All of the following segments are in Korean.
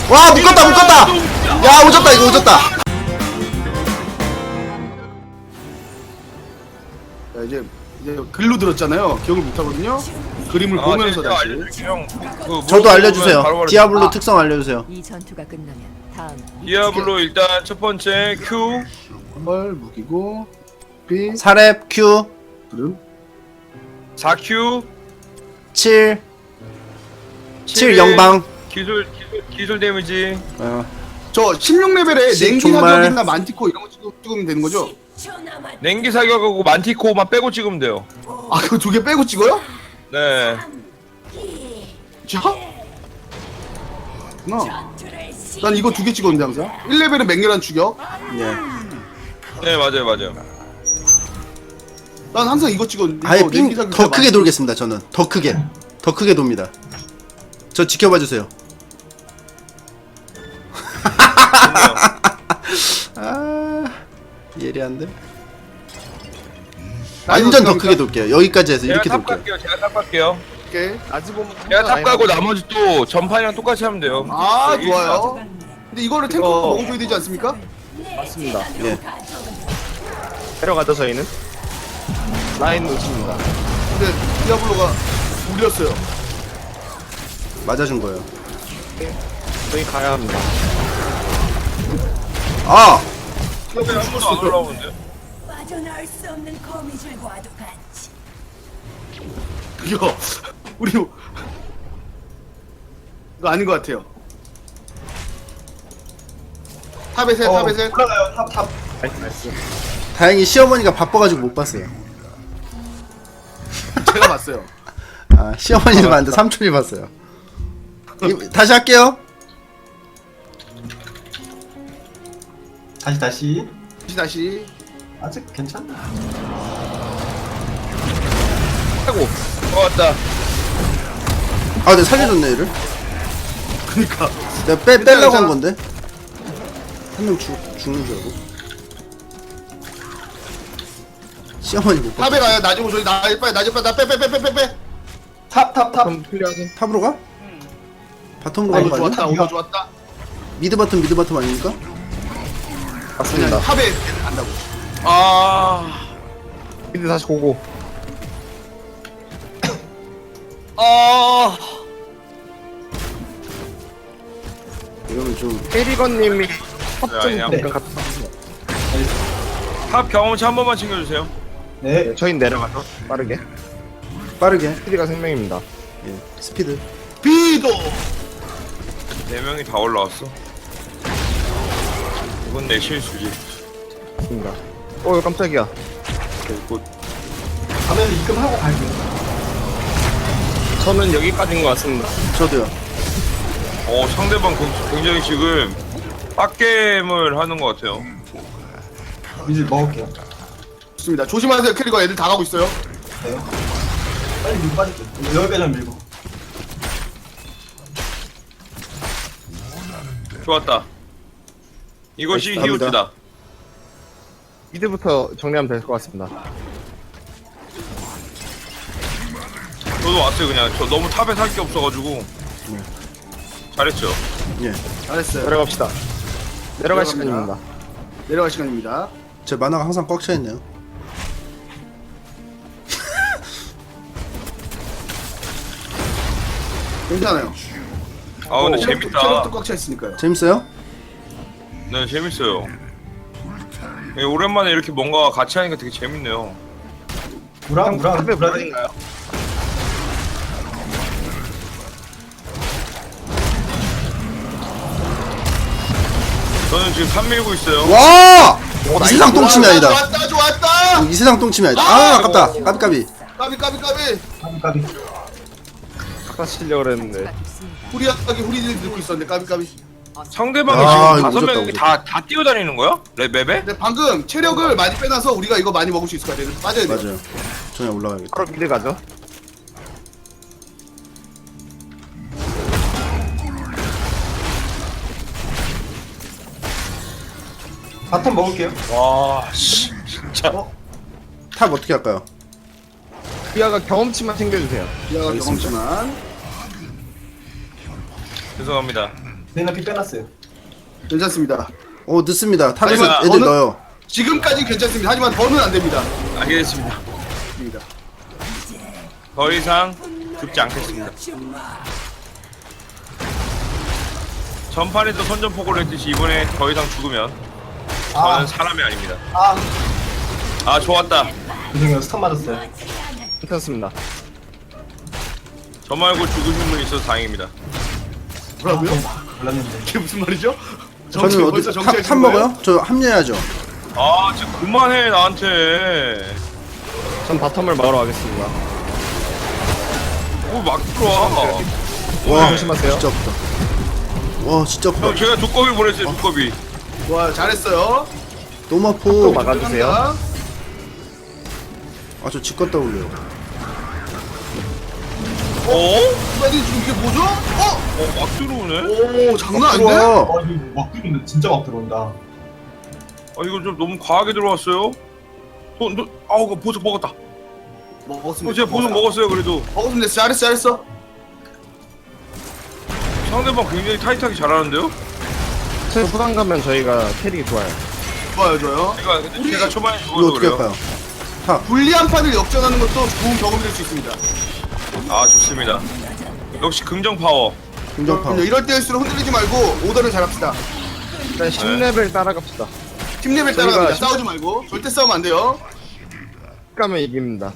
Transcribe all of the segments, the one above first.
와 묶었다 묶었다. 야 오졌다 이거 오졌다. 자, 이제 글로 들었잖아요. 기억을 못 하거든요. 그림을 보면서 제가 다시. 알려줄게요, 형. 저도 알려주세요. 바로바로 디아블로 아. 특성 알려주세요. 이 전투가 끝나면 다음 디아블로 일단 첫 번째 Q 헐 무기고 B 사렙 Q 그럼 4Q 7 7 영방. 기술 데미지. 저 16레벨에 십 냉기 정말. 사격이나 만티코 이런 거 찍으면 되는 거죠? 냉기 사격하고 만티코만 빼고 찍으면 돼요. 아 그거 두 개 빼고 찍어요? 네. 자? 난 이거 두 개 찍었는데 항상 1레벨은 맹렬한 추격 예. 네, 맞아요. 난 항상 이거 찍었는데 아예 이거 냉기 삥 사격 더 크게 돌겠습니다. 저는 더 크게 돕니다. 저 지켜봐 주세요. 아 예리한데. 완전 더 크게 돌게요. 여기까지 해서 제가 이렇게 탑 돌게요. 갈게요. 제가 탑 갈게요. 이렇게. 제가 탑 가고 나머지 또 전판이랑 똑같이 하면 돼요. 아 좋아요 근데 이거를 탱커가 먹어줘야 되지 않습니까? 맞습니다. 예. 데려가죠 저희는. 라인 놓칩니다. 근데 디아블로가 울렸어요 맞아준 거예요. 저희 가야 합니다. 아 탑에 한 번도 안 올라오는데. 빠져나올 수 없는 거미줄과도 같이 이거 우리 이거 아닌 것 같아요 탑에 셋 탑에 셋 나이스. 다행히 시어머니가 바빠가지고 못 봤어요. 제가 봤어요 아 시어머니는 봤는데 삼촌이 봤어요. 다시 할게요. 다시 다시 아직 괜찮나? 하고. 왔다. 아 내가 살려줬네 얘를. 그니까 내가 빼려고 한 건데. 한 명 죽는 줄 알고. 시어머니 못 봤어. 탑에 가요 나중에 저희 나 빨리 나빼 탑 그럼 클리어하긴. 탑으로 가? 바텀으로 아 가는 이거 거 아니야? 좋았다 오더 좋았다 미드 바텀 아닙니까? 맞습니다. 탑에 간다고 아. 미드 다시 고고. 아. 이러면 좀 캐리건님이 네, 탑좀 아니야. 잠깐 갔다. 탑 경험치 한 번만 챙겨주세요. 네. 저희 내려가죠. 빠르게. 빠르게. 스피드가 생명입니다. 예, 스피드. 비도 4명이 다 올라왔어. 이건 내 실수지. 맞습니다. 깜짝이야. 가면 입금하고 갈게요. 저는 여기까지인 것 같습니다. 저도요. 상대방 굉장히 지금 빡겜을 하는 것 같아요. 이제 먹을게요. 좋습니다 조심하세요 캐리가 애들 다 가고 있어요 네. 빨리 밀고 빠질게요. 10배 밀고. 좋았다. 이것이 감사합니다. 히오즈다. 미드부터 정리하면 될 것 같습니다. 저도 왔어요 그냥. 저 너무 탑에 살 게 없어가지고. 잘했죠. 예. 잘했어요 내려갑시다. 내려갈 내려갑니다. 시간입니다. 내려갈 시간입니다 제 만화가 항상 꽉 차 있네요. 괜찮아요 아 근데 재밌다. 체력도 꽉 차 있으니까요 재밌어요? 네 재밌어요. 오랜만에 이렇게 뭔가 같이 하니까 되게 재밌네요. 무랑 탑에 무라딘가요? 저는 지금 3 밀고 있어요. 와! 이 세상 똥침이 아니다. 좋았다 이 세상 똥침이 아니다. 아 아깝다. 까비까비. 까비 까비. 아까 치려고 그랬는데. 후리하게 후리들 듣고 있었는데 까비 상대방이 아, 지금 이거 5명이 오졌다, 다 뛰어다니는 거야? 맵에? 근데 방금 체력을 많이 빼놔서 우리가 이거 많이 먹을 수 있을 것 같아요 빠져야 돼요 맞아요. 저냥 올라가야겠다. 바로 미드 가죠. 바텀 먹을게요. 와, 씨, 진짜. 탑 어떻게 할까요? 비아가 경험치만 챙겨주세요. 이하가 경험치만 죄송합니다. 레이나 피 빼놨어요. 괜찮습니다. 늦습니다. 탑에서 하지만 애들 어느- 넣어요. 지금까지 괜찮습니다. 하지만 더는 안 됩니다. 알겠습니다. 더 이상 죽지 않겠습니다. 전판에도 선전포고를 했듯이 이번에 더 이상 죽으면 저는 사람이 아닙니다. 아 좋았다. 죄송해요. 스턴 맞았어요. 괜찮습니다. 저 말고 죽으신 분 있어서 다행입니다. 뭐라고요? 몰랐는데. 이게 무슨 말이죠? 저는 어디 벌써 탑 정치하시는 먹어요? 저 합류해야죠. 아 진짜 그만해 나한테. 전 바텀을 막으러 가겠습니다. 막 들어와. 와 조심하세요. 진짜 없다. 와 진짜 형 없다. 제가 두꺼비 보냈어요 두꺼비. 와 잘했어요. 너무 또 아파. 막아주세요. 아저 직권 떠올려요. 어? 아니 지금 이게 뭐죠? 막 들어오네? 오 장난 아닌데? 들어와. 이거 막 들어온다. 진짜 막 들어온다. 아 이거 좀 너무 과하게 들어왔어요. 아우 그 보석 먹었다. 먹었습니다. 제가 보석 먹었어요 그래도. 먹었습니다. 잘했어. 상대방 굉장히 타이트하게 잘하는데요? 제 후반 가면 저희가 캐릭이 좋아요. 좋아요. 근데 제가 초반에 이거 죽어서 어떻게 그래요. 할까요? 불리한 판을 역전하는 것도 좋은 경험이 될 수 있습니다. 아 좋습니다. 역시 긍정 파워. 긍정파. 이럴 때일수록 흔들리지 말고 오더를 잘합시다. 일단 10레벨 따라갑시다. 팀 레벨 저희가 따라갑니다. 심- 싸우지 말고 절대 싸우면 안 돼요. 가면 이깁니다.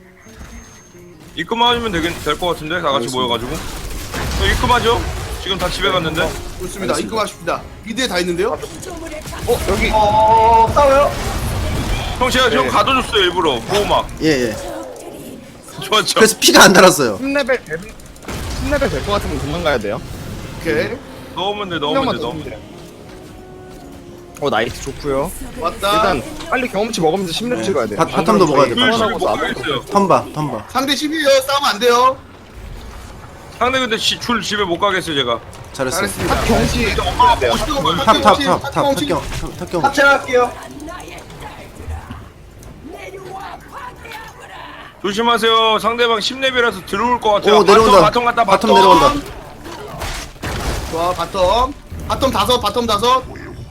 입금하면 될 것 같은데 다 같이 모여가지고. 입금하죠? 지금 다 집에 갔는데. 좋습니다. 입금하십니다. 미드에 다 있는데요. 여기 싸워요? 형 제가 형 가둬줬어요 일부러 보호막. 예예. 좋았죠? 그래서 피가 안 달았어요. 10레벨 될 것 같으면 금방 가야 돼요. 오케이. 넣으면 돼 한 넣으면 명만 돼 더 넣으면 주면 돼. 돼요. 나이스 좋고요. 왔다. 일단 빨리 경험치 먹으면서 10렙 찍어야 돼요. 바텀도 먹어야 돼요. 술 집에 못 못 가겠어요. 텀바. 상대 10이에요. 싸우면 안 돼요. 상대 근데 줄 집에 못 가겠어요 제가. 잘했어요. 잘했습니다. 경험치 엄마가 돼요. 탑경. 합체할게요. 조심하세요. 상대방 10레벨이라서 들어올 것 같아요. 오 내려온다. 바텀 갔다 바텀 내려온다. 좋아 바텀. 바텀 다섯. 바텀 다섯.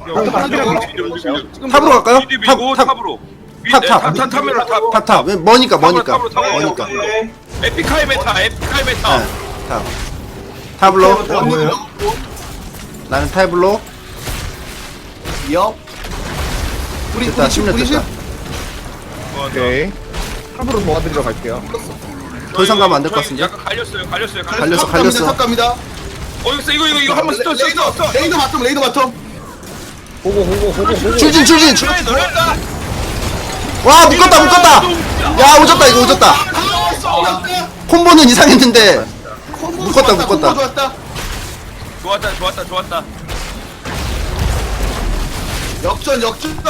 탑으로 갈까요? 미드 밀고 탑. 탑으로. 탑. 탑으로 탑. 탑. 왜 머니까. 탑으로. 네. 에픽하이 메타. 네. 탑. 네. 탑으로. 뭐예요? 나는 타이블로. 이어. 우리 됐다. 우리 10렙 우리 됐다. 오케이. 탑으로 도와드리러 갈게요. 더 이상 가면 안 될 것 같은데. 약간 갈렸어요. 갈렸어. 탑 갑니다. 있어 이거 한번 스톱. 레이더 바텀. 호고. 출진. 너네가 와 묶었다. 야 오졌다. 콤보는 이상했는데. 묶었다. 좋았다. 좋았다. 역전.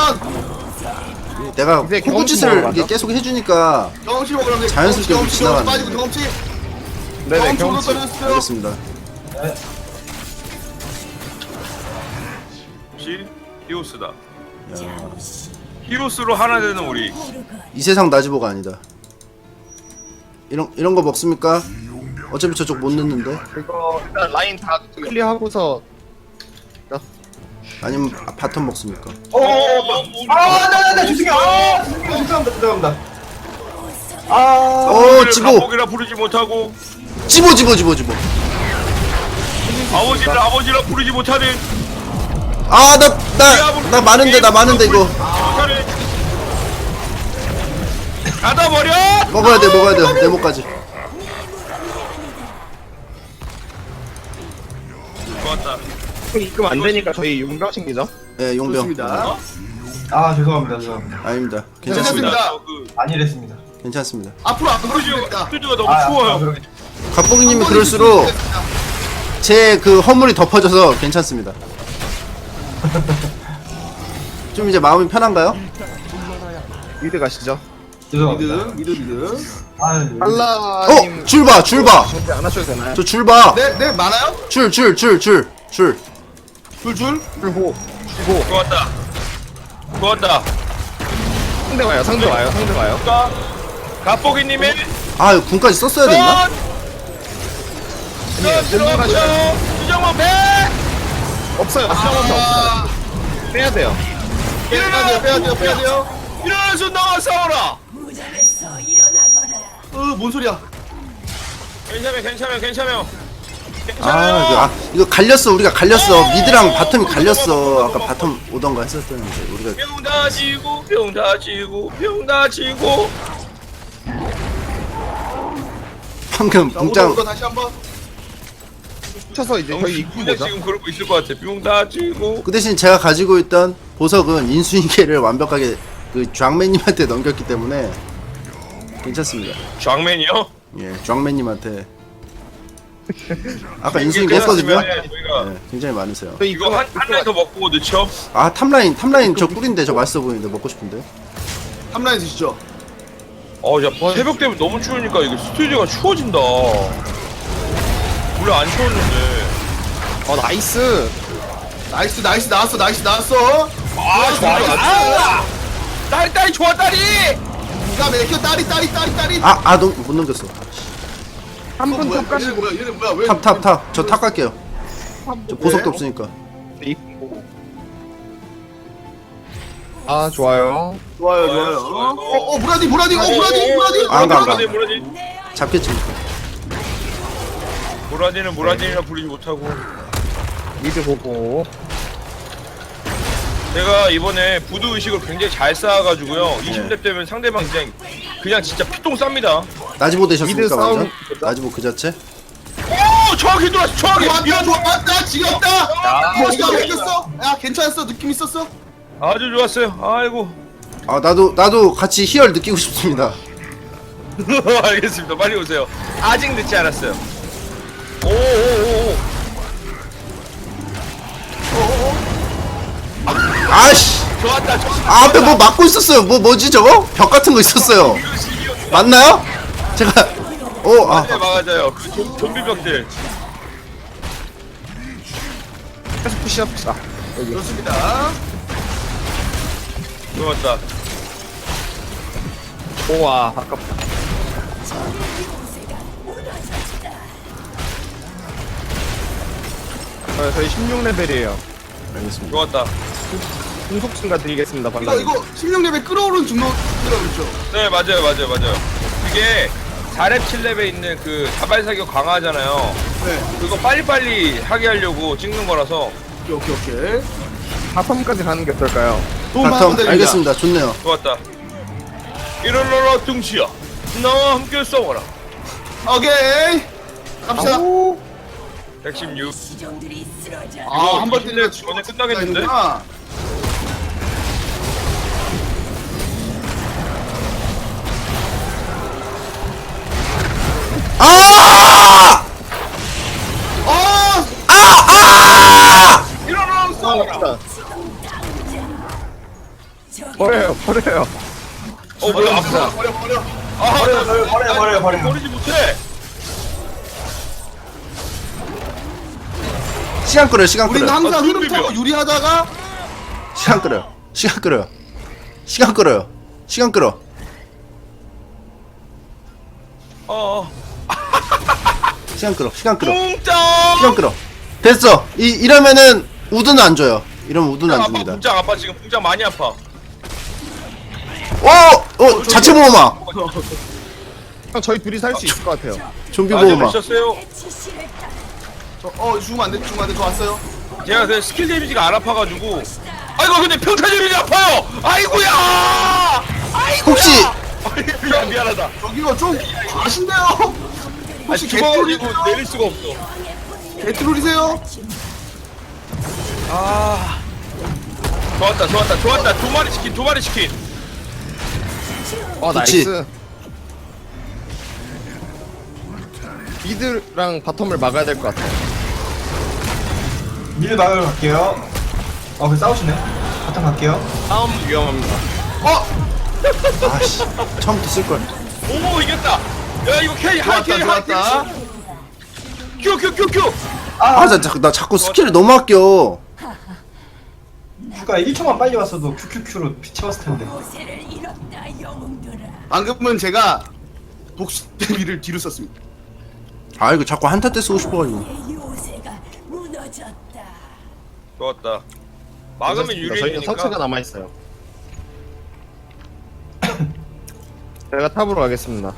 내가 이제 콤보 경험치 짓을 먹으러 이게 가죠? 계속 해주니까 경험치 먹으면 돼. 자연스럽게 경험치 지나가네. 빠지고 경험치. 네네 경험치로 경험치. 떨어졌어요. 알겠습니다. 역시 히오스다. 히오스로 하나 되는 우리. 이 세상 나지보가 아니다. 이런 거 먹습니까? 어차피 저쪽 못 넣는데. 이거 일단 라인 다 클리어하고서 아니면 바텀 먹습니까? 네, 죄송합니다. 오 지보. 가복이라 부르지 못하고 지보. 아버지라 부르지 못하는 나 많은데 이거 닫아버려. 먹어야 돼. 네모까지. 좋았다. 입금 안 되니까 저희 용병 챙기죠. 예, 용병. 좋습니다. 죄송합니다. 아닙니다. 괜찮습니다. 괜찮습니다. 안 이랬습니다. 괜찮습니다. 앞으로 안 그러시겠다. 뚜드가 너무 추워요. 갑보기님이 그럴수록 제 그 허물이 덮어져서 괜찮습니다. 좀 이제 마음이 편한가요? 미드 가시죠. 죄송합니다. 미드. 팔라님 줄 봐. 정비 안 하셔도 되나요? 저 줄 봐. 네 많아요? 줄. 줄. 풀고 좋았다. 상대 와요. 갑보기님의 아, 군까지 썼어야 됐나? 들어가죠. 수정원 100. 없어요. 수정원도 없어요. 빼야 돼요. 빼야 돼요. 일어나서 나와 싸워라. 무덤에서 일어나거라. 뭔 소리야? 괜찮아요. 이거 갈렸어. 우리가 갈렸어. 미드랑 바텀이 갈렸어. 아까 바텀 오던가 했었었는데 우리가 병 다지고 방금 자, 붕장 오더 다시 한번. 쳐서 이제 저희 입구 근데 보자. 지금 그러고 있을 것 같아. 병 다지고. 그 대신 제가 가지고 있던 보석은 인수인계를 완벽하게 그 쫙맨님한테 넘겼기 때문에 괜찮습니다. 쫙맨이요? 예, 쫙맨님한테 아까 인수인계 했거든요. 저희가 네, 굉장히 많으세요. 저희 이거 한 라인 더 먹고 늦죠? 아 탑라인 저 꿀인데 저 맛있어 보이는데 먹고 싶은데. 탑라인 드시죠. 야 새벽 되면 너무 추우니까 이거 스튜디오가 추워진다. 원래 안 추웠는데. 나이스. 나이스 나왔어. 좋아. 딸이 좋아 딸이. 야 맥혀 딸이. 너무 못 넘겼어. 한분 탑 가지고 얘는 뭐야? 왜? 탑. 저 탑 갈게요. 저 보석도 없으니까. 입구. 좋아요. 좋아요. 무라디. 안 가. 무라디. 잡겠지. 무라디라 부르지 못하고. 미드 보고. 제가 이번에 부두 의식을 굉장히 잘 쌓아가지고요. 20렙 되면 상대방 그냥 진짜 피똥 쌉니다. 나지보 되셨습니까 미드 싸움 완전? 나지보 그 자체? 오 정확히 들어왔어. 정확히 좋았다. 지겹다. 지가 맥혔어. 야 괜찮았어. 느낌 있었어. 아주 좋았어요. 아이고. 나도 같이 희열 느끼고 싶습니다. 알겠습니다. 빨리 오세요. 아직 늦지 않았어요. 오. 아씨. 좋았다. 앞에 뭐 막고 있었어요. 뭐지 저거? 벽 같은 거 있었어요. 맞나요? 제가 네, 맞아요. 그 좀비병들. 계속 푸시합시다. 좋습니다. 좋았다. 우와, 아깝다. 저희 16레벨이에요. 알겠습니다. 좋았다. 공속 증가 드리겠습니다, 이거 발라님. 16레벨 끌어오른 증거라고 있죠. 네, 맞아요. 그게 4렙 7렙에 있는 그 자발사격 강화하잖아요. 네. 그거 빨리빨리 하게 하려고 찍는 거라서. 오케이. 바텀까지 가는 게 어떨까요? 바텀 알겠습니다. 좋네요. 좋았다. 일어나라 등치야. 나와 함께 싸워라. 오케이. 갑시다. 116. 시종들이 쓰러져. 한번 때리면 전에 끝나겠는데? 일어나라 싸워라. 버려요. 뭐야 아프다. 버려. 버리지 못해. 시간 끌어요. 시간 우리는 끌어요. 항상 흐름 비벼. 타고 유리하다가 시간 끌어요. 시간 끌어요. 시간 끌어. 시간 끌어. 뭉짱. 시간 끌어. 됐어. 이러면은 우드는 안 줘요. 이러면 우드는 안 아파 줍니다. 뭉짱 아파 지금 뭉짱 많이 아파. 자체 보호막. 형, 저희 둘이 살 수 있을 것 같아요. 좀비 아직 보호막. 미쳤어요. 지시를 따. 죽으면 안 돼. 저 왔어요. 제가 그 스킬 데미지가 안 아파가지고. 아이고 근데 평타 데미지 아파요. 아이고야. 혹시 미안하다. 저기요 좀 아신데요. 혹시 죽어가지고 개트롤이세요? 내릴 수가 없어. 개트롤이세요? 좋았다. 두 마리 치킨. 그치. 나이스. 미드랑 바텀을 막아야 될 것 같아요. 미드 막으러 갈게요. 그 싸우시네. 바탕 갈게요. 싸움 위험합니다. 아씨 처음부터 쓸 걸. 오 이겼다. 야 이거 캐리 하이 캐리. 큐. 나 자꾸 스킬을 너무 아껴. 휴가 1초만 빨리 왔어도 큐큐큐로 피 채웠을 텐데. 모세를 잃었다 영웅들아. 방금은 제가 복수 데미를 뒤로 썼습니다. 이거 자꾸 한타 때 쓰고 싶어가지고. 내 요새가 무너졌다. 좋았다. 막으면 저희는 유리해지니까. 성체가 남아있어요. 제가 탑으로 가겠습니다.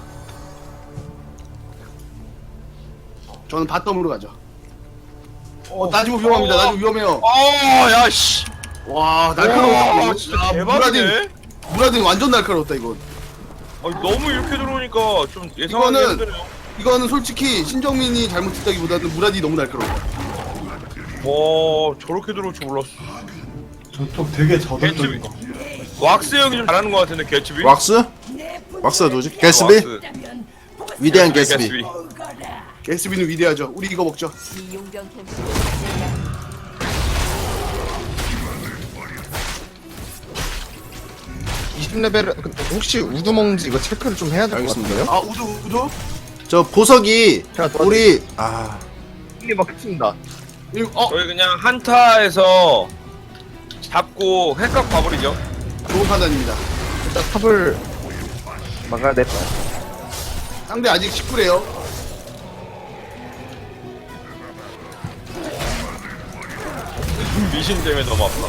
저는 바텀으로 가죠. 나지모 위험합니다. 나지모 위험해요. 야 씨. 와 와, 날카로워. 진짜 야, 대박이네. 무라딘 완전 날카로웠다 이건. 아니, 너무 이렇게 들어오니까 좀 예상하기 이거는- 힘드네요. 이거는 솔직히 신정민이 잘못했다기보다는 무라딘이 너무 날카로워. 와, 저렇게 들어올 줄 몰랐어. 저쪽 되게 저돌적인 거. 왁스 형이 좀 잘하는 것 같은데 개츠비. 왁스? 왁스가 누구지? 게스비? 왁스. 위대한 게스비. 게스비는 위대하죠. 우리 이거 먹죠. 이 용병 캠프 20레벨 근데 혹시 우두 먹는지 이거 체크를 좀 해야 될 것 알겠습니다. 같은데요? 아 우두. 저 보석이 제가 도와드릴게요. 우리 이게 먹겠습니다. 저희 그냥 한타에서 잡고 핵각 봐버리죠. 좋은 판단입니다. 일단 탑을 막아야 될 상대 아직 19래요. 미신 때문에 너무 아파.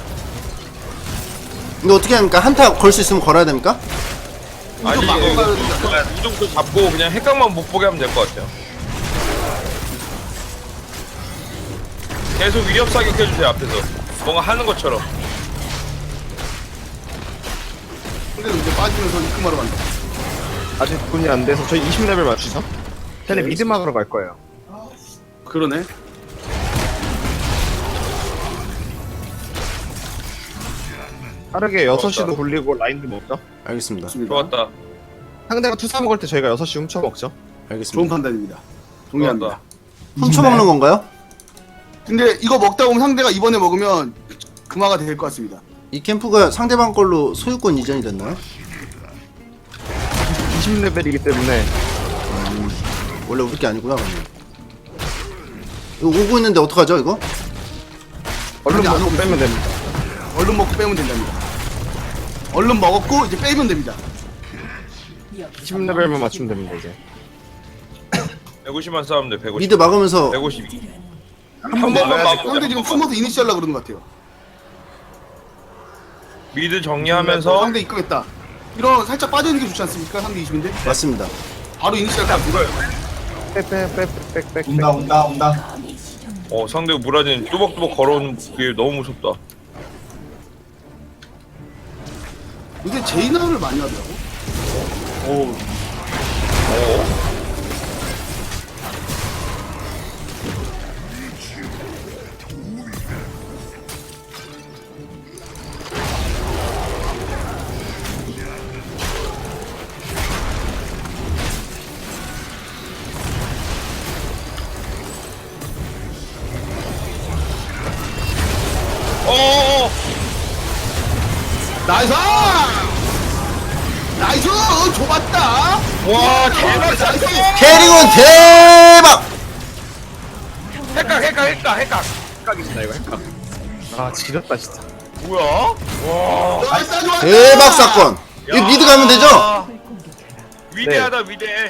이거 어떻게 합니까? 한타 걸 수 있으면 걸어야 됩니까? 아니 우정 막아야 이거 된다. 그냥 우정도 잡고 그냥 핵각만 못 보게 하면 될 것 같아요. 계속 위협 사격해주세요 앞에서. 뭔가 하는 것처럼. 상대는 이제 빠지면서 입금하러 간다. 아직 분이 안 돼서 저희 20레벨 맞추죠? 걔네 미드 막으러 갈 거예요. 그러네. 빠르게 6시도 굴리고 라인도 먹죠? 알겠습니다. 좋습니다. 좋았다. 상대가 투사 먹을 때 저희가 6시 훔쳐 먹죠? 좋은 알겠습니다. 판단입니다. 동의합니다. 좋았다. 훔쳐먹는 건가요? 근데 이거 먹다 보면 상대가 이번에 먹으면 금화가 될 것 같습니다. 이 캠프가 상대방 걸로 소유권 이전이 됐나요? 20레벨이기 때문에 원래 우리 게 아니구나. 그러면. 이거 오고 있는데 어떡하죠 이거? 얼른 아니, 안 먹고 오고 빼면 됩니다. 얼른 먹고 빼면 된답니다. 얼른 먹었고 이제 빼면 됩니다. 20레벨만 맞추면 됩니다 이제. 150만 싸우면 돼. 150. 미드 막으면서 152. 한 번 번만 막아야 막으면 상대 돼. 지금 숨어서 이니시하려고 그러는 것 같아요. 미드 정리하면서 상대 입금했다. 이런 살짝 빠져있는 게 좋지 않습니까? 상대 20인데 맞습니다. 바로 이니시할 것 같아요. 빼빼빼빼빼빼. 온다. 상대 무라딘 뚜벅뚜벅 걸어오는 게 너무 무섭다. 근데 제이나를 많이 하더라고. 오. 어어어. 나이스! 나이스! 좋았다! 와 대박. 나이스! 캐리건 대박! 핵각. 핵각이다 이거 핵각. 아 지렸다 진짜. 뭐야? 와. 좋았다, 좋았다! 대박 사건! 이거 미드 가면 되죠? 위대하다 위대해.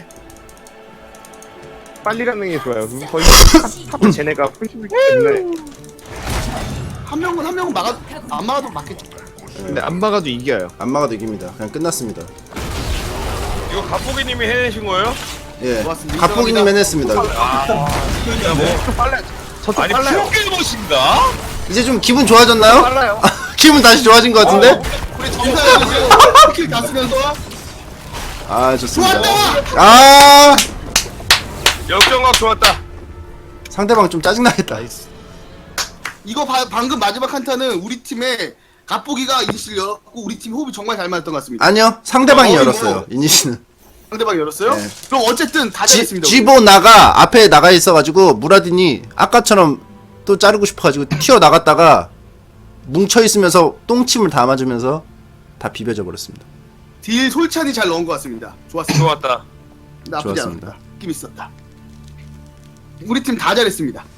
빨리 가는 게 좋아요. 거의 탑 쟤네가 풀심이기 때문에. 한 명은 안 막아도 맞겠죠. 근데 안 막아도 이겨요. 안 막아도 이깁니다. 그냥 끝났습니다. 이거 갑보기님이 해내신 거예요? 예. 고맙습니다. 갑보기님 해냈습니다. 진짜 뭐. 저도 아니 빨라요. 프로게이머신가? 이제 좀 기분 좋아졌나요? 빨라요. 기분 다시 좋아진 것 같은데? 우리 점사해가지고 스킬 다 쓰면서 아 좋습니다. 좋았다! 아 역전각 좋았다. 상대방 좀 짜증나겠다. 이거 방금 마지막 한타는 우리 팀의 갑보기가 이니시를 열었고 우리 팀 호흡이 정말 잘 맞았던 것 같습니다. 아니요 상대방이 뭐. 열었어요. 이니시는. 상대방이 열었어요? 네. 그럼 어쨌든 다 잘했습니다. 우리. 지보 나가 앞에 나가 있어가지고 무라딘이 아까처럼 또 자르고 싶어가지고 튀어 나갔다가 뭉쳐 있으면서 똥침을 다 맞으면서 다 비벼져 버렸습니다. 딜 솔찬히 잘 넣은 것 같습니다. 좋았습니다. 좋았다. 나쁘지 좋았습니다. 않았다. 느낌 있었다. 우리 팀 다 잘했습니다.